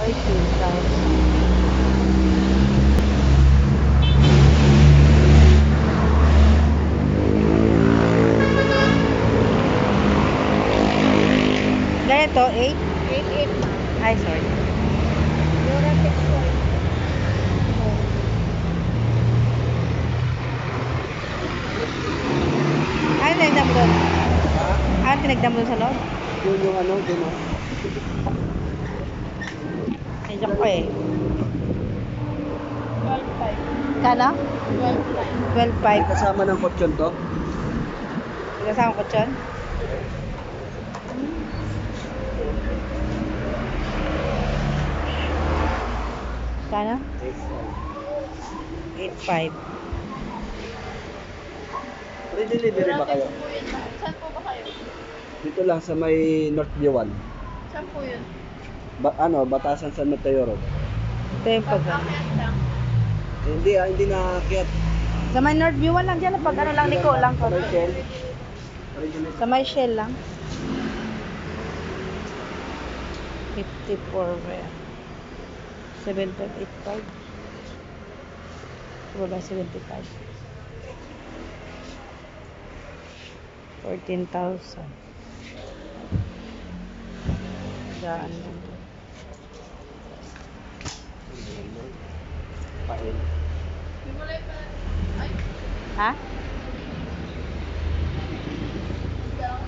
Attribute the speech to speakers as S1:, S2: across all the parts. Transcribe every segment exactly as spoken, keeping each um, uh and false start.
S1: eighteen thousand. Ganito, eight?
S2: eight eight ma'am.
S1: Ay, sorry.
S2: Eurotex white.
S1: Ano tinignan mo doon?
S3: Ha?
S1: Ano tinignan mo doon sa loob?
S3: Yun yung ano, din o.
S1: Medyo ko eh.
S2: twelve five.
S1: Kano?
S2: twelve five.
S1: twelve
S3: May
S1: five.
S3: kasama ng kutsyon to.
S1: Kasama ko dyan. Kano? eight five.
S3: Free delivery ba kayo?
S2: Po yun, ma'am. Saan po ba kayo?
S3: Dito lang sa may Northview one.
S2: Saan po yun?
S3: Ba ano, Batasan San Mateo Road.
S1: Ito yung pag...
S2: Pag-akyat lang.
S3: Eh, hindi ah, hindi nakaakyat.
S1: Sa may Northview lang dyan. Pag ano lang, liko lang.
S3: Sa may Shell. Original.
S1: Sa may Shell lang. fifty-four where? seven five eight five. Wala seventy-five. fourteen thousand. Daan lang.
S3: Pain.
S2: Himulay pa. Ay,
S1: Ha?
S2: down.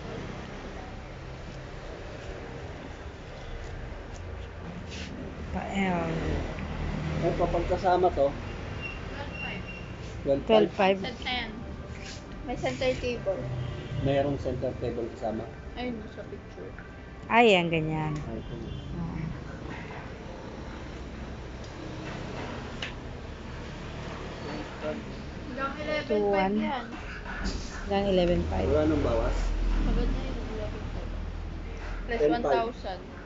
S1: Pa-L.
S3: Eh, kapag kasama to,
S2: twelve five.
S1: twelve five.
S2: Set na yan. May center table.
S3: mayroong center table kasama.
S2: Ayun, sa picture.
S1: Ay, yan, ganyan.
S3: Ay, ito.
S1: Oo.
S2: Hanggang eleven
S1: Two,
S2: five
S1: one.
S2: yan.
S1: Hanggang eleven five.
S3: Wala nang bawas.
S2: Maganda yun, eleven five. Plus
S3: ten
S2: one
S3: five.
S2: thousand.